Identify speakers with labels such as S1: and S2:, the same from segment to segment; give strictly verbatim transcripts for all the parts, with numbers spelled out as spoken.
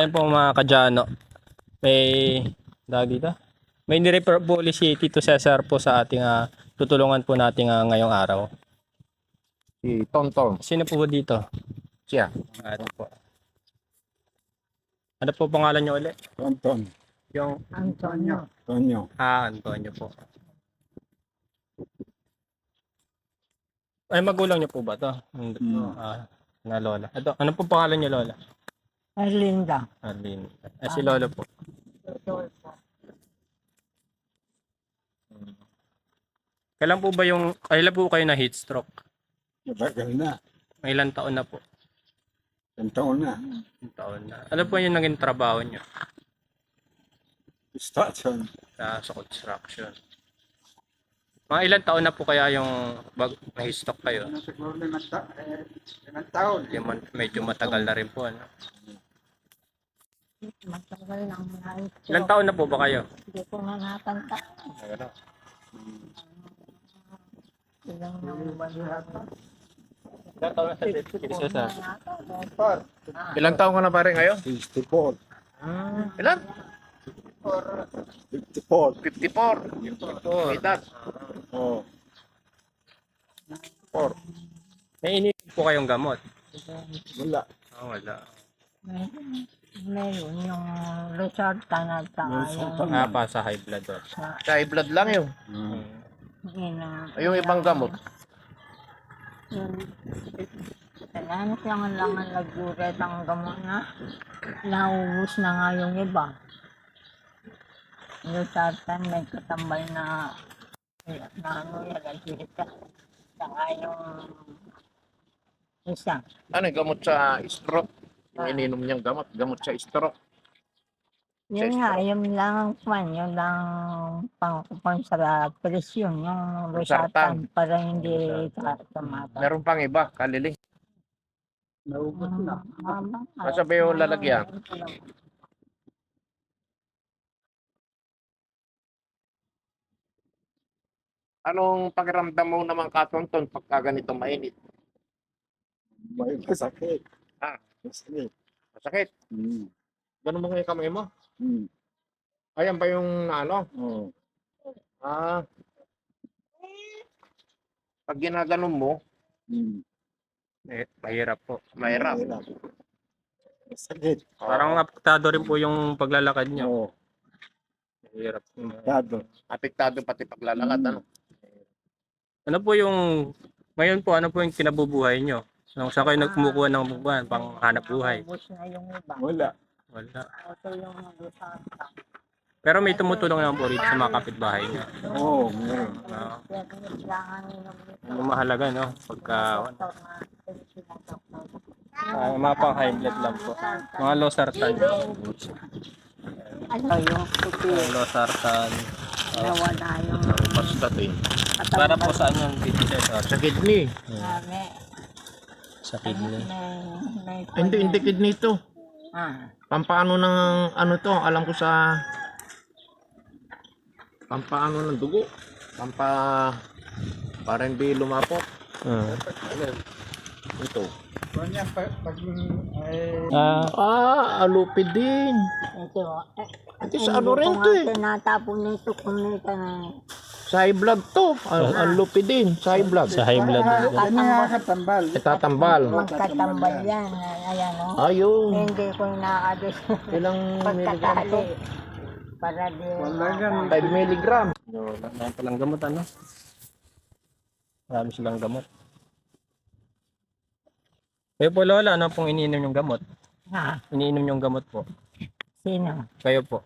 S1: Ayun po mga kadyano. May dahil dito. May ni-refer po ulit si Tito Cesar po sa ating ah, tutulungan po natin ah, ngayong araw.
S2: Si Tonton.
S1: Sino po dito?
S2: Siya.
S1: Ano po? Ano po pangalan niyo ulit?
S2: Tonton.
S1: Yung
S3: Antonio.
S2: Tonyo.
S1: ah, Antonio po. Ay, magulang niyo po ba to? Hindi po.
S2: Hmm.
S1: Ah, na lola. Ito, ano po pangalan niyo lola?
S3: Erlinda.
S1: Arlene. Ah, si lolo po. Kailan po ba yung, kailan po kayo na heat stroke?
S2: Matagal na.
S1: May ilang taon na po?
S2: Isang taon na.
S1: Ilang taon na. Ano po yung naging trabaho niyo
S2: Station.
S1: sa, sa construction? Mga ilang taon na po kaya yung bag, na heat stroke kayo?
S2: Siguro limang ta eh, limang taon.
S1: Yung man- medyo matagal na rin po. Ano?
S3: Matagal lang na ito.
S1: Ilang taon na po ba kayo?
S3: Hindi ko na natanda. Ilang nang banat.
S1: Ilang taon na sa Tito Cesar?
S2: Ilang taon ka na pare ngayon? sixty-four.
S1: Ilan?
S2: fifty-four.
S1: fifty-four. fifty-four. Edad.
S2: Oh.
S1: Four. May ininom po kayong gamot?
S2: Wala.
S1: Oh, wala.
S3: Meron yung Losartan at saka yung
S1: Ah, pa sa high blood. Oh.
S3: sa
S4: Sa high blood lang yun.
S2: Hmm.
S3: ina.
S4: Ay, yung ibang gamot.
S3: Yung kailangan lang lang ang nagduret ang gamot na naubos na nga yung iba. Losartan may katambal na na ano yan, nagdita. Saka yung isa.
S4: Ano yung gamot sa stroke? Yung ininom niyang gamot, gamot sa stroke.
S3: Yun nga, yung lang ang pan, yung lang pangkupan sa presyon, yung
S4: Losartan.
S3: Losartan para hindi tumata.
S4: Meron pang iba, kaliling.
S2: Naubos na.
S4: Basta ba yung lalagyan? Anong pakiramdam mo naman katonton pagka ganito mainit?
S2: May masakit.
S4: Ah.
S2: Masakit.
S4: Masakit.
S2: Hmm.
S4: Ganun mo nga yung kamay mo?
S2: Hmm.
S4: Ayan ba yung ano?
S2: Oh.
S4: Ah. Pag ginaganon mo,
S2: Hmm.
S1: Eh, mahirap po.
S4: mahirap.
S2: Masakit.
S1: Parang apektado rin po yung paglalakad niyo.
S2: Oh.
S1: Mahirap.
S2: Dado.
S4: Apektado pati paglalakad. Ano?
S1: Ano po yung, ngayon po, ano po yung kinabubuhay niyo? Nung saan kayo nagkumukuha ng buwan, pang hanap buhay?
S3: Naubos na yung iba.
S2: Wala.
S1: Wala.
S3: Ito yung Losartan.
S1: Pero may tumutulong naman po rito sa mga kapitbahay niyo.
S2: Oo, oh, meron.
S1: Ah,
S3: Kaya kailangan nyo
S1: yung mahalaga, no? Pagka,
S3: doktor na sinasaktan.
S1: ah, mga pang high blood lang po. Mga losartan.
S3: Ano yung puti?
S1: Losartan.
S3: Nawala yung
S4: Pastatin.
S1: Para po saan yung Tito Cesar?
S4: Sa kidney.
S3: Marami.
S1: Sa kidney.
S3: May, may,
S4: Hindi, hindi kidney ito.
S3: Ah,
S4: Pampaano ng ano to? Alam ko sa pampaano ng dugo. Pampa para hindi lumapot.
S1: Ah.
S4: Ito.
S2: Kanya pag, pag ay
S1: Ah,
S4: Ah, alupid din.
S3: ito. Eh,
S4: Ito sa ano rin to eh.
S3: Tinatapon nito kumita na.
S4: Sa high blood to. Al alupid din. Sa high blood.
S1: sa high blood.
S2: ano nakakatambal.
S4: Itatambal.
S3: Magkatambal yan. Ayan o.
S4: Ayun.
S3: Hindi ko inaadis.
S4: Ilang milligram to?
S3: Pagkatali. Para di.
S2: Wala yan.
S4: five milligram.
S1: Marami palang gamot, ano? Marami silang gamot. Kayo po, Lola, ano pong iniinom yung gamot?
S3: Ha?
S1: Iniinom yung gamot po.
S3: Sino?
S1: Kayo po.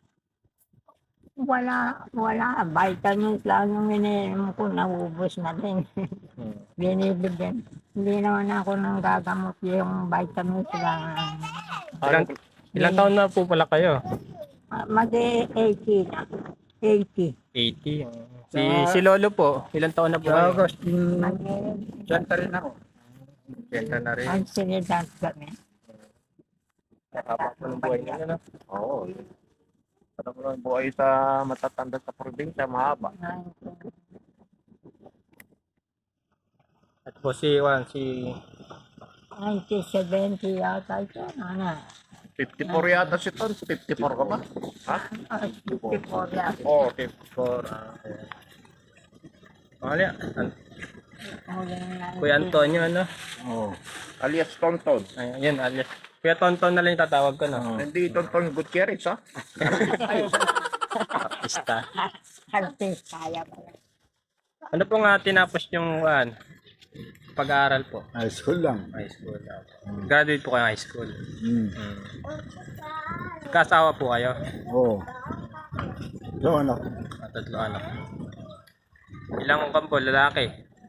S3: Wala. Wala. Vitamins lang yung ininom ko. Naubos na din.
S1: Hmm.
S3: Binibigyan. Hindi naman ako nang gagamot yung vitamins lang.
S1: Ilang, ilang taon na po pala kayo?
S3: Mag-eighty na. eighty.
S1: eighty. Si, si Lolo po, ilang taon na po
S2: Sa
S1: kayo?
S2: August,
S3: Mag-
S2: dyan pa rin ako.
S1: Benta na rin.
S3: ang sinidad kami.
S1: Haba po ng buhay niyo, ano?
S4: Oo. Parang mo ng buhay sa matatanda sa probinsya, mahaba.
S1: At po si Juan, si
S3: nineteen seventy yata ito. Ano?
S4: fifty-four yata si Ton. fifty-four ka ba? Ha?
S3: Ah, fifty-four yan.
S4: Oo.
S1: For, ah, ayan. Pangalan yan? An-
S3: Huli na
S1: Kuya Antonio, ano?
S4: Oh. Alias Tonton.
S1: Ayun, yun, alias. Kuya Tonton na lang yung tatawag ko, no?
S4: Hindi Tonton Gutierrez, ha?
S1: Artista.
S3: Artist, kaya pala.
S1: Ano po nga tinapos yung uh, pag-aaral po?
S5: High school lang.
S1: High school. Uh, graduate po kayo high school.
S5: Mm.
S1: Hmm. Kasawa po kayo?
S5: Oo. Doon ako.
S1: At tatlo anak. Ilang kampo, lalaki?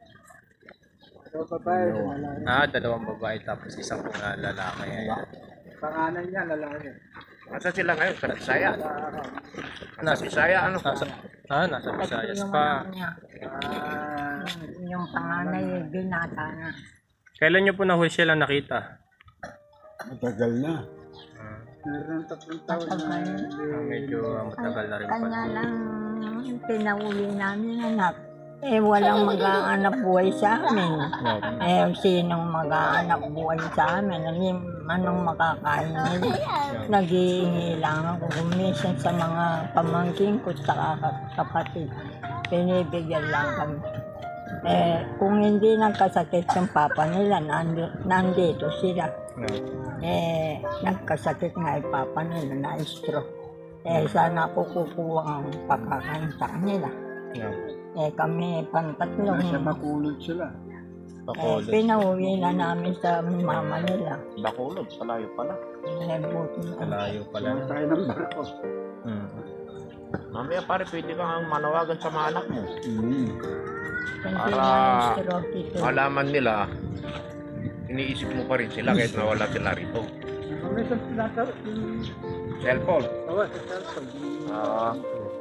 S1: Ah, dalawang babae tapos isang pong uh, lalaki. Ayan.
S5: Pangalan niya, lalaki.
S4: Nasa sila ngayon? Sa Bisaya? Nasa
S1: Nasa,
S4: Bisaya, ano?
S1: nasa, ah, nasa Visayas pa.
S3: Niya. Yung, yung panganay, binata na.
S1: Kailan nyo po nahuli sila nakita?
S5: Matagal na. Meron tatlong taon na.
S1: Ah, medyo uh, matagal na rin pa.
S3: Kanya lang pinauwi namin anak. Eh, walang mag-aanap buhay sa amin. Eh, sinong mag-aanap buhay sa amin? Ano, anong makakain nila? Nag-iingi lang ako kumisan sa mga pamangkin ko sa kapatid. Pinibigyan lang kami. Eh, kung hindi nagkasakit yung papa nila, nandi- nandito sila. Eh, nagkasakit nga yung papa nila na stroke. Eh, sana ako kukuha ang pagkakain sa kanila. Eh, kami pantatlo.
S5: Nasa Bacolod sila.
S3: Eh, pinauwi na namin sa mama nila.
S4: Bacolod, palayo pala.
S3: Eh, buti na.
S1: Malayo pala.
S5: Wala tayo ng barko.
S1: Hmm.
S4: Mamaya pare, pwede kang manawagan sa mga anak mo.
S5: Mm.
S3: Hindi
S4: Para
S3: na stroke ito.
S4: Malaman nila, iniisip mo pa rin sila kahit nawala sila rito.
S5: Kami sa pinata-
S4: Cellphone.
S5: Tawa sa cellphone.
S4: Ah.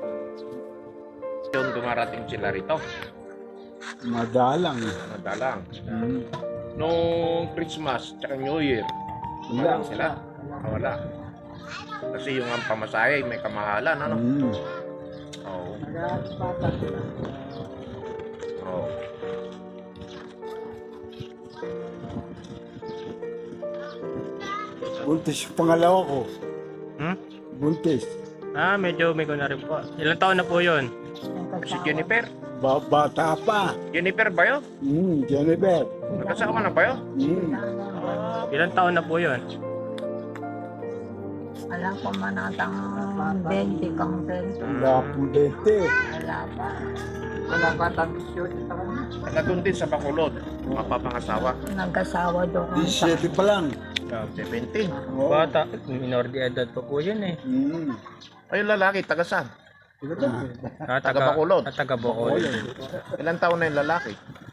S4: Yung dumarating sila rito.
S5: Madalang.
S4: Madalang.
S5: Mm.
S4: Nung Christmas, tsaka New Year,
S5: Wala.
S4: dumating sila. Ah, wala. Kasi yung ang pamasahe, may kamahalan, ano?
S5: Mm.
S4: Oo.
S5: Nag-aaspata sila.
S4: Oo.
S5: Buntis yung pangalawa ko.
S1: Hmm?
S5: Buntis.
S1: Ah, medyo may ko na rin po. Ilang taon na po yun?
S4: Si Jennifer.
S5: Ba bata pa.
S4: Jennifer ba yun?
S5: Mm, Jennifer.
S4: Nagkasama na ba yun?
S5: Mm.
S1: Ilang taon na po yun?
S3: Wala ko man atang twenty kang twenty.
S5: Wala akong dente.
S3: Wala pa.
S5: Wala pa tapos yun.
S4: Nagkatun din sa Bacolod. Mapapangasawa.
S3: Nagkasawa doon sa
S5: disiyete pa lang.
S4: seventeen.
S5: Oo.
S1: Bata, minor de edad pa po yun eh.
S5: Mm.
S4: Ayun lalaki, taga saan?
S1: Ah,
S4: Taga Bacolod.
S1: Ah, taga Bacolod.
S4: Ilang taon na yung lalaki?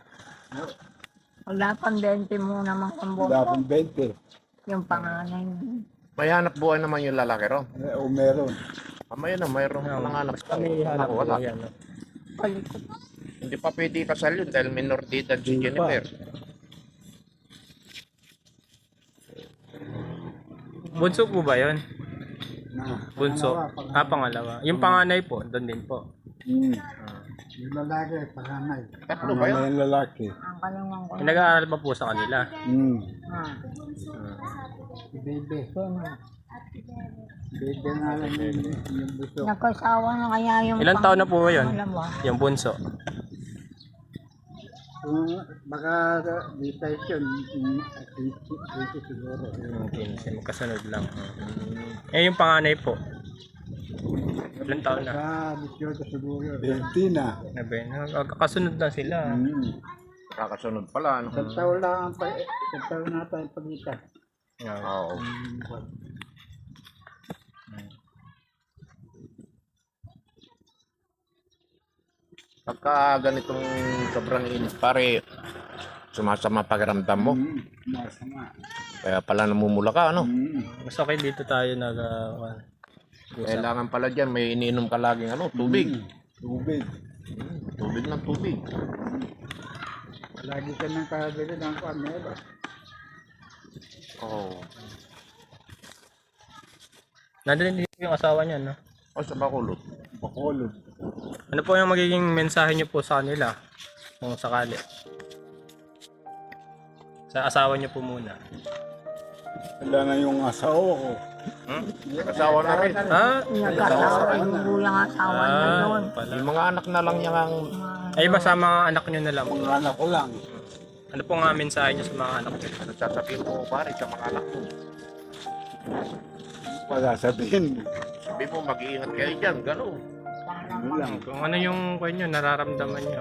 S3: wala pang twenty mo naman kang
S5: Wala
S3: buko.
S5: akong dente.
S3: Yung panganay.
S4: May hanap buhay naman yung lalaki ron.
S5: Eh, O meron.
S4: Ah, may na, mayroong mga anak.
S1: Kami hanap
S4: Ako,
S1: po
S4: wala.
S1: yan. No?
S3: Palikot.
S4: Hindi pa pwede kasal yun dahil minor de edad si
S5: Hindi pa.
S4: Jennifer.
S1: Bunso po ba yun?
S5: Na,
S1: Bunso? Ah, pangalawa. Yung panganay po, doon din po.
S5: Mm. Yung lalaki, panganay.
S4: Tatlo ba yun?
S5: Panganay yung lalaki.
S3: Ang kalungan ko.
S1: Nag-aaral pa po sa kanila.
S5: Mm.
S3: Ah,
S5: Si Bebe.
S3: sino?
S5: Bebe nga lang yung, yung buso.
S3: Nagkasawa na kaya yung
S1: Ilang taon na po ba yun?
S3: Alam mo.
S1: Yung bunso.
S5: Kung baka di tayo yun, yung eighty siguro.
S1: Yung quince, magkasunod lang. Eh, yung panganay po. Ilang taon na?
S5: Sa disyoto siguro. twenty na.
S1: Nabe, nagkakasunod na sila.
S5: Mm.
S4: Kakasunod pala. Ano?
S5: Isang taon lang ang pa, isang taon na tayo pagitan.
S1: Yeah.
S4: Oo. Pagka ganitong sobrang init pare, sumasama pakiramdam mo.
S5: Mm. Masama.
S4: Kaya pala namumula ka, ano?
S5: Mm.
S1: Mas okay dito tayo nag... Uh, usap.
S4: Kailangan pala dyan, may iniinom ka laging ano, tubig.
S5: Mm. Tubig.
S4: Tubig ng tubig.
S5: Lagi ka nang kabili ng kamera.
S4: Oo.
S1: Nandun din yung asawa niya, no?
S4: O sa Bacolod.
S5: Bacolod.
S1: Ano po yung magiging mensahe niyo po sa kanila? Kung sakali. Sa asawa niyo po muna.
S5: Wala na yung asawa ko.
S2: Hmm? Asawa na rin.
S1: Ha?
S3: Nagkatawa yung gulang asawa niya
S1: Ah,
S3: doon.
S1: pala.
S2: Yung mga anak na lang niya ang...
S1: Ay, basta mga anak nyo na lang.
S5: Ang anak ko lang.
S1: Ano po nga mensahe nyo sa mga anak nyo?
S2: Ano sasabihin mo, pare, sa mga anak mo?
S5: Wala sabihin.
S2: Sabi mo, mag-iingat kayo dyan, gano'n.
S5: Ano lang.
S1: Kung ano yung kwan nyo, nararamdaman nyo.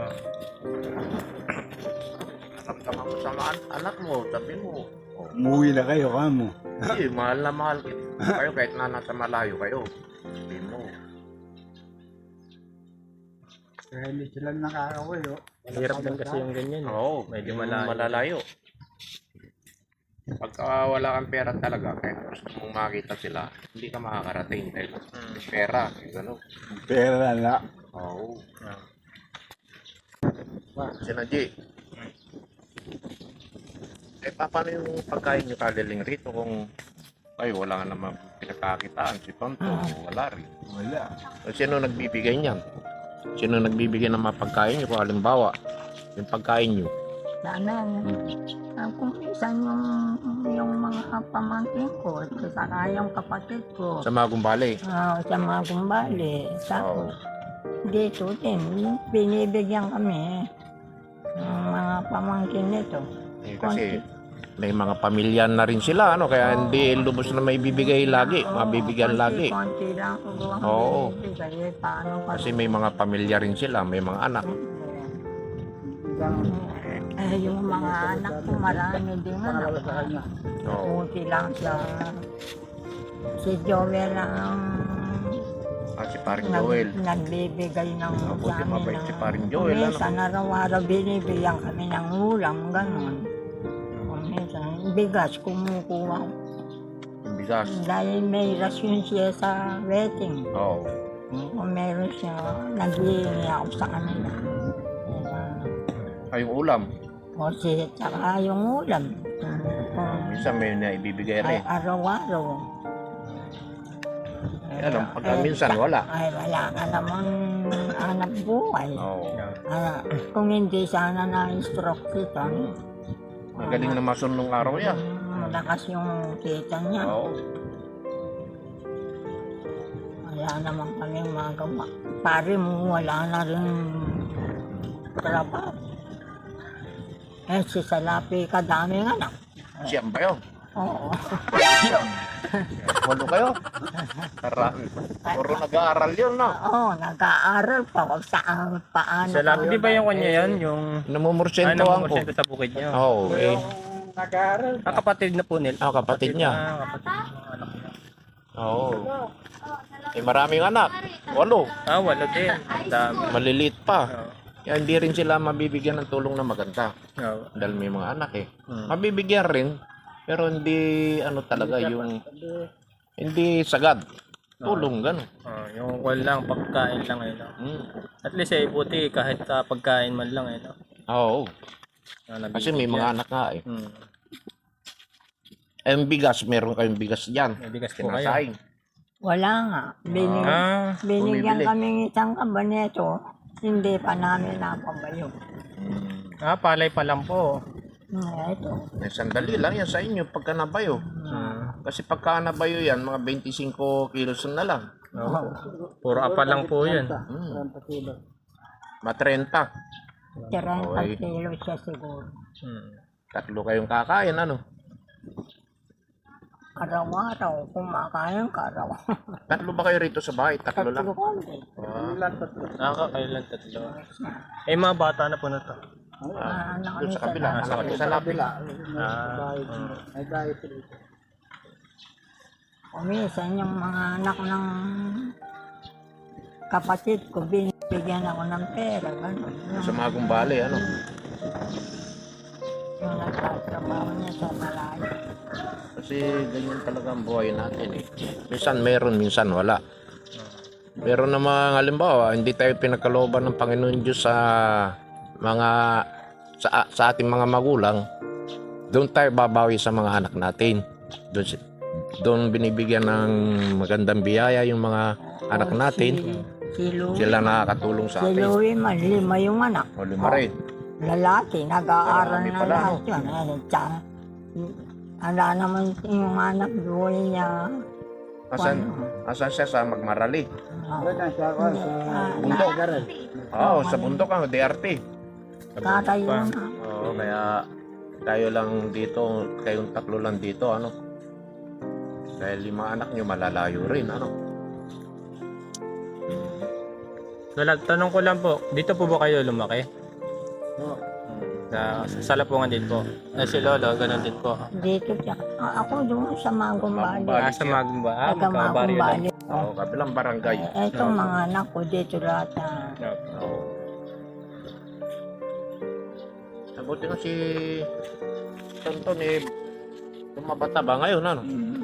S2: Naramdaman mo sa mga an- anak mo, sabi mo, oh,
S5: Umuwi na kayo, kamo.
S2: hindi, mahal na mahal kayo kahit na nasa malayo kayo. Sabi mo,
S5: Kaya hindi sila nakakawin, oh.
S1: Hirap din kasi yung ganyan. eh.
S2: oo,
S1: Medyo
S2: yung
S1: malayo.
S2: malalayo. Pagka wala kang pera talaga, kaya gusto mong makita sila, hindi ka makakarating dahil pera, gano'n.
S5: Pera na.
S2: Oo.
S1: Ah.
S2: Sinaji. Eh, pa- paano yung pagkain nyo kaliling rito kung ay wala nga naman pinagkakitaan si Tonto, wala rin.
S5: Wala.
S2: O, sino nagbibigay niyan? Sino nagbibigay ng mga pagkain nyo? Kung halimbawa, yung pagkain nyo.
S3: Sana, uh, kung minsan yung, yung mga pamangkin ko, at saka yung kapatid ko,
S2: Sa mga gumbali.
S3: ah, sa mga gumbali,
S2: Oo.
S3: tapos dito din, binibigyan kami ng mga pamangkin nito.
S2: Eh, kasi may mga pamilya na rin sila, ano? Kaya hindi lubos na may bibigay lagi, mabibigyan lagi.
S3: Konti lang ko ang
S2: Oo.
S3: binibigay, eh, paano pa?
S2: Kasi may mga pamilya rin sila, may mga anak.
S3: Eh, yung mga anak ko, marami din anak.
S2: Oo.
S3: Kunti lang siya. Si Joel ang
S2: At si Paring
S3: nag,
S2: Joel.
S3: nagbibigay ng
S2: Mabuti
S3: sa amin
S2: mabait
S3: ng
S2: si Paring Joel, ano?
S3: Minsan araw-araw binibigyan kami ng ulam, gano'n. Kung minsan, bigas kumukuha.
S2: Yung bigas.
S3: Dahil may rasyon siya sa wedding.
S2: Oo.
S3: Kung meron siya, nag-iingi ako sa kanila.
S2: Ay, yung ulam.
S3: O si, tsaka yung ulam. Kung
S2: Minsan may naibibigay
S3: ay
S2: rin.
S3: araw-araw.
S2: Eh, alam, pagka minsan wala.
S3: Ay, wala ka namang anak buhay.
S2: Oo.
S3: Ah, kung hindi sana na-stroke kita,
S2: Magaling na masun nung araw yan.
S3: malakas yung kita niya.
S2: Oo.
S3: Wala naman kami magawa. Pare mo, wala na rin trabaho. Eh, si Salapi, kadaming anak.
S2: Siyam ba yun?
S3: Oo.
S2: Walo kayo? Karami. Puro nag-aaral yun, no?
S3: Oo, nag-aaral pa. Wag saan, paano.
S1: Sa labi, di ba yung kanya yan? Yung
S2: Namumursyento
S1: ano
S2: ang
S1: mo
S2: ko.
S1: sa bukid niyo?
S2: Oo, eh.
S5: Nag-aaral.
S1: Ah, kapatid na po nila.
S2: Ah, kapatid niya.
S1: Ah, kapatid ng anak niya.
S2: Oo. Eh, maraming anak. Walo.
S1: Ah, wala din. Ang dami.
S2: Maliliit pa.
S1: Oo.
S2: Kaya hindi rin sila mabibigyan ng tulong na maganda.
S1: Oo.
S2: Dahil may mga anak eh.
S1: Hmm.
S2: Mabibigyan rin. Pero hindi ano talaga yung... Hindi sagad. Tulong, gano'n.
S1: Ah, yung kwan lang, pagkain lang eh. No?
S2: Hmm.
S1: At least eh, buti kahit sa pagkain man lang eh. No?
S2: Oo.
S1: Na
S2: Kasi may mga anak nga eh.
S1: Hmm.
S2: Eh, yung bigas, meron kayong bigas dyan.
S1: May bigas po kayo.
S2: Kinasaing.
S3: Wala nga. Binig,
S1: Ah,
S3: binigyan
S2: bumibili.
S3: kami isang kabaneto, hindi pa namin napabayo.
S1: ah, palay pa lang po.
S3: Hmm, ito.
S2: Eh, sandali lang yan sa inyo pagka nabayo.
S1: Hmm.
S2: Kasi pagka nabayo yan, mga twenty-five kilos na lang.
S1: Oo. Puro apa lang po yun.
S2: Hmm. Ma thirty.
S3: Tirenta
S2: Okay.
S3: kilo siya siguro.
S1: Hmm.
S2: Tatlo kayong kakain, ano?
S3: Araw-araw, kumakain ka araw.
S2: Tatlo ba kayo rito sa bahay? Tatlo lang.
S3: Tatlo kami.
S2: Ah,
S1: Nakakailan tatlo. Eh, mga bata na po na to.
S3: Ah, anak
S2: doon
S3: ni
S2: sa kabila.
S3: Salapi.
S2: Sa kabila. Sa lapit.
S1: Ah,
S5: May diet rito.
S3: Kumisan yung mga anak ng kapatid ko, binibigyan ako ng pera. Ganun.
S2: Sa mga gumbali, ano?
S3: Yung nagtatrabaho niya sa malayo.
S2: Kasi ganyan talaga ang buhay natin eh. Minsan meron, minsan wala. Meron na mga halimbawa, hindi tayo pinagkalooban ng Panginoon Diyos sa mga sa, sa ating mga magulang. Doon tayo babawi sa mga anak natin. Doon, si- doon binibigyan ng magandang biyaya yung mga anak natin.
S3: Si, si Louie,
S2: Sila nakakatulong sa
S3: si
S2: atin.
S3: Louie man, lima yung anak.
S2: O lima rin.
S3: Lalaki, nag-aaral
S2: Marami
S3: na
S2: pala,
S3: lahat yun. Ano, tsaka, ala naman yung anak doon niya,
S2: Asan, asan siya sa Magmarali?
S5: Wala na siya ako sa
S2: Bundok.
S5: Garal.
S2: Oo, sa bundok ang D R T.
S3: Tatay yun.
S2: Oo, kaya tayo lang dito, kayong tatlo lang dito, ano? Dahil lima anak nyo malalayo rin, ano?
S1: Wala, tanong ko lang po, dito po ba kayo lumaki?
S5: Oo.
S1: Sa, sa Lapungan din po. Eh, si Lolo, ganun din po.
S3: Dito siya. Ah, ako doon sa Magumbali.
S2: Magumbali.
S1: Ah, sa Magumba. Ah,
S3: Taga
S1: magkabaryo lang.
S3: Magumbali.
S2: Oo, kabilang barangay.
S3: Eh, itong mga anak ko dito lahat na
S2: Oo. Nabuti nga si Tonton eh, lumabata ba ngayon, ano?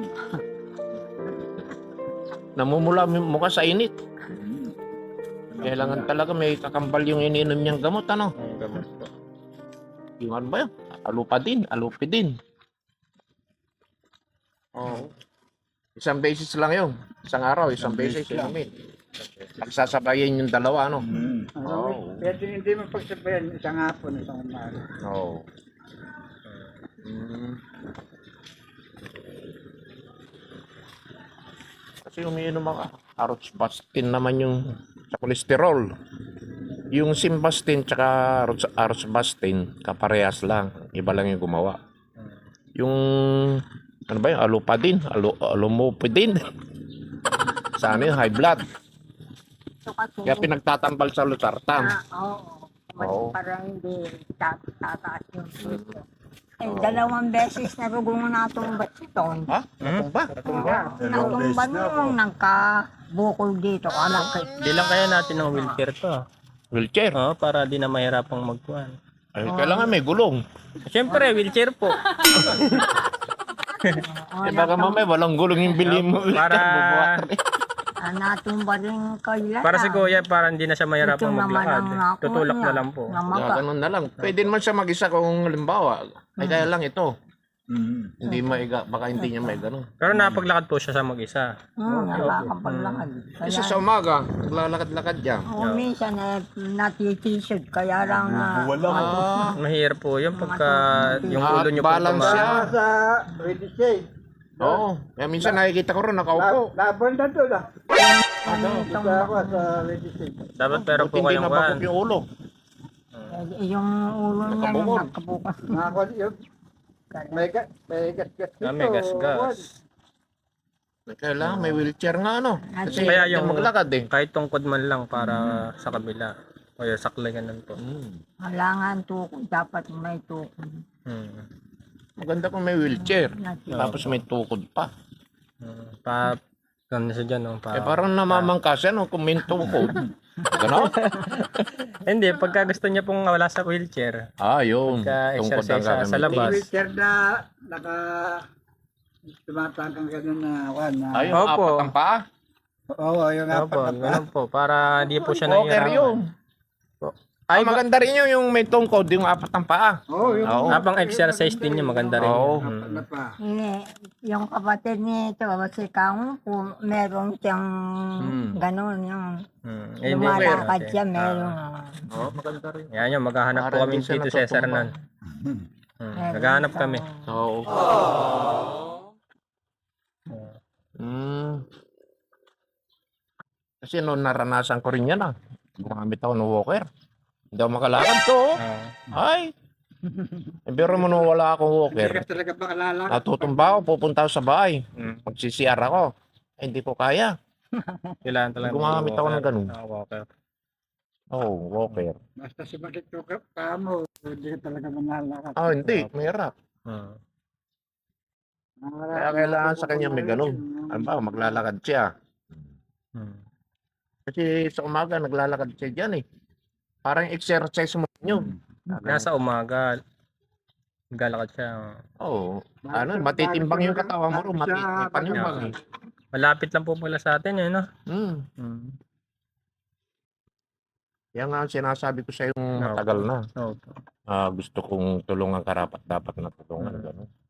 S2: Namumula yung mukha sa init. Kailangan talaga may kakambal yung ininom niyang gamot, ano?
S1: Ang gamot po.
S2: Yung ano ba yun? Alupadin, alupidin. Oo. Isang beses lang yun. Isang araw, isang beses lang. Nagsasabayin yung dalawa, ano?
S5: Oo. Pwede hindi mo pagsabayan isang hapon, isang umaga.
S2: Oo. Mm. Kasi umiinom ako. Arroxbastin naman yung sa kolesterol. Yung Simbastin tsaka Arrox- Arroxbastin, kaparehas lang. Iba lang yung gumawa. Yung, ano ba yun? Alupadin? Alu, alumupidin? Sa ano yun? High blood.
S3: ito kasi.
S2: Kaya pinagtatambal sa Luzartan.
S3: Ah, oo.
S2: Oo.
S3: Parang hindi tat- tataas yung puso. Eh, dalawang beses na rugong natumba si Ton.
S2: Ha? Ano ba?
S3: Natumba nung nagkabukol dito. Anak ko.
S1: Di lang kaya natin ng wheelchair to.
S2: Wheelchair.
S1: Oo, para di na mahirapang magkuhan.
S2: Ay, kailangan may gulong.
S1: Siyempre, wheelchair po.
S2: Eh baka mamaya walang gulong yung bili mo.
S1: Para-
S3: Ah, natumba rin kayo.
S1: Para si Kuya, para hindi na siya mahirapang
S3: Ito naman
S1: maglakad.
S3: ang nakuha
S1: Tutulak
S3: niya.
S1: na lang po.
S3: Na
S2: Yeah,
S3: maka.
S2: ganun na lang. Pwede naman siya mag-isa kung halimbawa. Ay kaya lang ito. Hindi maiga, baka hindi niya may ganun.
S1: Pero napaglakad po siya sa mag-isa.
S3: Hmm, nakakapaglakad.
S2: Kasi
S3: Kaya,
S2: sa umaga, naglalakad-lakad yan.
S3: o minsan eh, natitisod. Kaya lang na.
S2: Ah,
S1: Mahirap po yun pagka yung ulo niyo po
S2: balance
S1: tumaas.
S2: siya.
S5: Ako sa Ready Shade.
S2: Oo. Kaya minsan nakikita ko rin nakaupo.
S5: Laban na doon ah.
S3: Ano itong,
S5: Basta ako sa Ready Shade.
S1: Dapat pero
S2: Buti
S1: po
S2: hindi
S1: kayong
S2: nabakok
S1: kuhan.
S2: yung ulo.
S3: eh, yung ulo niya
S2: Nakabukol.
S3: na nakabukas.
S5: Nakakuha yun. May gat, may gat-gat dito.
S1: Ah, may gas-gas.
S2: Kailangan may wheelchair nga ano. Kasi
S1: Kaya
S2: yung
S1: yung-
S2: maglakad eh.
S1: Kahit tungkod man lang para sa kabila. O yung saklay ganun po.
S2: Hmm.
S3: Kailangan tukod. Dapat may tukod.
S1: Hmm.
S2: Maganda kung may wheelchair.
S3: Nati-
S2: Tapos may tukod pa.
S1: Hmm. Pa, ganun siya dyan. No? Pa,
S2: Eh parang namamangkas yan oh, kung may tukod. Ganon?
S1: Hindi, pagka gusto niya pong wala sa wheelchair,
S2: Ah, yun.
S1: Pagka-exercise sa- sa
S2: gagamitin.
S1: labas.
S5: Wheelchair na naka tumatangkang ganun na one na.
S2: Ay, yung
S1: Opo.
S2: apat ang paa.
S5: Oo, yung
S1: ano
S5: apat
S1: po,
S5: na pa.
S1: ganun po, para hindi po siya
S2: Walker
S1: nahihirapan.
S2: yun. Ay,
S1: Ay,
S2: maganda rin yun yung may tungkod, yung apat ang paa.
S5: Oo, yung
S2: Oo.
S1: habang exercise din niya, maganda rin.
S2: Oo.
S1: yun.
S5: apat na pa.
S3: Ini, yung kapatid nito, si Kang, kung meron siyang
S2: Hmm.
S3: gano'n, yung
S1: Hmm. Eh, hindi,
S3: lumalakad
S1: meron
S3: siya,
S1: din.
S3: meron.
S1: Ah.
S3: ah.
S2: Oo, maganda rin.
S1: Yan yun, maghahanap po
S2: Para
S1: kami
S2: hindi siya
S1: dito sa Cesar
S2: natutumba.
S1: nun. Hmm.
S3: Meron
S1: Naghahanap
S3: siyang-
S1: kami.
S2: Oo. Hmm. Kasi noon naranasan ko rin yan ah. Gumamit ako ng walker. Hindi ako makalakad to. oh.
S1: Ah.
S2: Ay. Eh, pero mo nung wala akong
S5: Hindi
S2: walker.
S5: ka talaga makalala.
S2: Natutumba ako, pupunta ako sa bahay.
S1: Hmm.
S2: Magsi-C R ako. Eh, hindi ko kaya.
S1: Kailangan talaga.
S2: Gumamit ako ng
S1: walker.
S2: ganun.
S1: Ah, walker.
S2: Oo, oh, walker.
S5: Basta sumakit yung ka- paa mo, hindi ka talaga manlalakad.
S2: Ah, hindi. Mahirap.
S1: Hmm.
S2: Kaya kailangan sa kanya may ganun. Ano ba, maglalakad siya.
S1: Hmm.
S2: Kasi sa umaga, naglalakad siya dyan eh. Parang exercise mo yun.
S1: Nasa umaga, galakad siya.
S2: Oo. Ano, matitimbang yung katawan mo rin. Matitimbang eh.
S1: Malapit lang po pala sa atin yun, no?
S2: Hmm.
S1: Hmm.
S2: Yan nga ang sinasabi ko sa yung
S1: No.
S2: matagal na.
S1: Oo.
S2: Ah, gusto kong tulungan karapat dapat na tulungan. Ganun.